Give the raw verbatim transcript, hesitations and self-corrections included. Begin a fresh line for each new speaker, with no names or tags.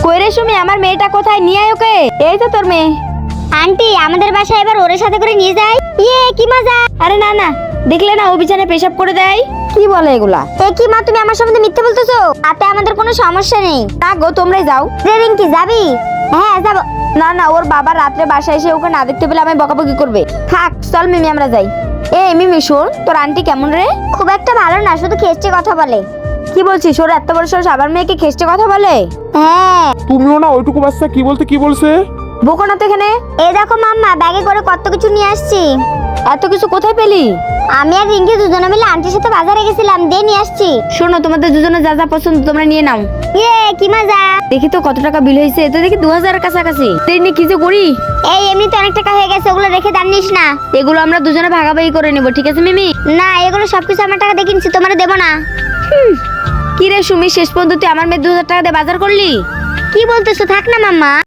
কই রে সুমি, আমার মেয়েটা কোথায়? নিয়ে আয় ওকে। এই তো তোর মেয়ে।
আন্টি আমাদের বাসায় এবার ওর সাথে করে নিয়ে যাই। ইয়ে কি মজা।
আরে না না, দেখলে না ও বিছানায় পেশাব করে দেয়। কি বলে এগুলা?
এ কি মা, তুমি আমার সম্বন্ধে মিথ্যে বলতেছো? তাতে আমাদের কোনো সমস্যা নেই।
না গো, তোমরাই যাও।
রে রিঙ্কি যাবি? হ্যাঁ যাব।
না না, ওর বাবা রাত্রে বাসায় এসে ওকে না দেখতে পেলে আমি বকাবকি করবে। থাক, চল মিমি আমরা যাই। এই মিমি শোন, তোর আন্টি কেমন রে?
খুব একটা ভালো না, শুধু খেস্টে কথা বলে।
কি বলছিস? ওর এত বড় সাহস আবার মেয়েকে খেস্টে কথা বলে?
হ্যাঁ।
তুমিও না ওইটুকু বাচ্চা কি বলতে কি বলছে?
বকো না তো এখানে।
এই দেখো মাম্মা, ব্যাগে করে কত কিছু নিয়ে আসছি।
এত কিছু কোথায় পেলি?
আমি আর রিঙ্কি দুজনে মিলে আন্টির সাথে বাজারে গেছিলাম, দিয়ে নিয়ে আসছি।
শোনো, তোমাদের দুজনে যা যা পছন্দ তোমরা নিয়ে নাও।
ইয়ে কি মজা।
দেখি তো কত টাকা বিল হয়েছে। তো দেখি দু হাজারের কাছাকাছি। তুই নিয়ে কি যে করি?
এই এমনি তো অনেক টাকা হয়ে গেছে, ওগুলো রেখে দাম নিস না।
এগুলো আমরা দুজনে ভাগাভাগি করে নেবো, ঠিক আছে মিমি?
না, এগুলো সবকিছু আমার টাকা দিয়ে কিনছি, তোমার দেবো না।
কি রে সুমি, শেষ পর্যন্ত তুই আমার মেয়ে দু হাজার টাকা দিয়ে বাজার করলি?
কি বলতেছো? থাক না মাম্মা।